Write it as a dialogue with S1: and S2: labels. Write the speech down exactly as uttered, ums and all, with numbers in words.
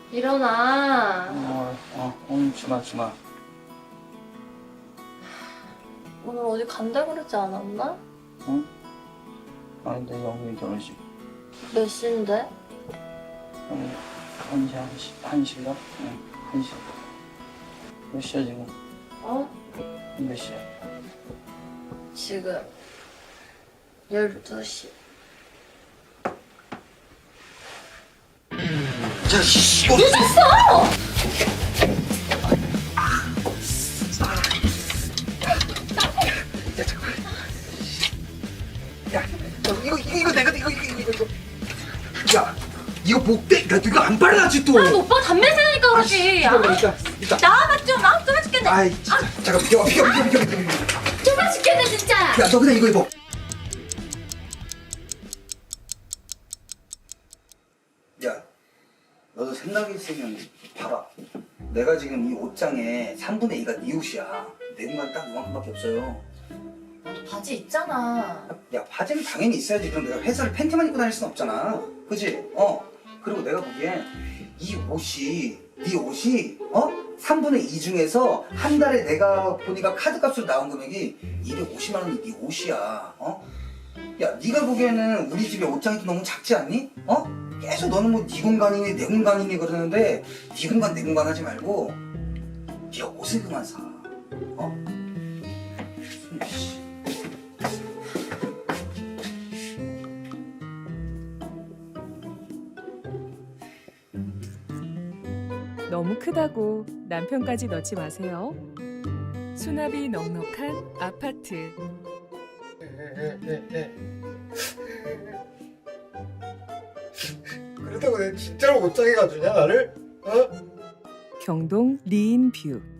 S1: 일어나.
S2: 어, 어, 오늘 주마 주마.
S1: 오늘 어디 간다 그러지 않았나?
S2: 응? 아니 내 영희 결혼식.
S1: 몇 시인데?
S2: 한 한시 한시 한시인가? 응, 한시. 몇 시야 지금?
S1: 어?
S2: 몇 시야?
S1: 지금 열두 시.
S2: 자, 씨, 이거
S1: 늦었어!
S2: 야, 잠깐만. 야, 저, 이거 이거 이거 내가 이거 이거 이거 이거. 야, 이거 목대. 야, 이거 안 빨라지 또.
S1: 아, 오빠 담배 세니까 그러지. 아,
S2: 일단 일단.
S1: 나와봐 좀. 아, 좀 죽겠네.
S2: 아이, 진짜. 잠깐 비켜 비켜 비켜 비켜 비켜.
S1: 좀 죽겠네 진짜.
S2: 야, 너 그냥 이거 입어. 야, 너도 생각이 있으면 봐라. 내가 지금 이 옷장에 삼분의 이가 네 옷이야. 내 공간 딱 이만큼밖에 없어요.
S1: 너도 바지 있잖아.
S2: 야, 바지는 당연히 있어야지. 그럼 내가 회사를 팬티만 입고 다닐 순 없잖아. 그지? 어. 그리고 내가 보기엔 이 옷이, 네 옷이, 어? 삼분의 이 중에서 한 달에 내가 보니까 카드값으로 나온 금액이 이백오십만 원이 네 옷이야. 어? 야, 네가 보기에는 우리 집에 옷장이 너무 작지 않니? 어? 계속 너는 뭐 네 공간이니 내 공간이니 그러는데 네 공간 내 공간 하지 말고 네가 옷을 그만 사. 어? 씨.
S3: 너무 크다고 남편까지 넣지 마세요. 수납이 넉넉한 아파트.
S4: 그렇다고 내가 진짜로 옷장에 가주냐 나를? 어?
S3: 경동 리인뷰.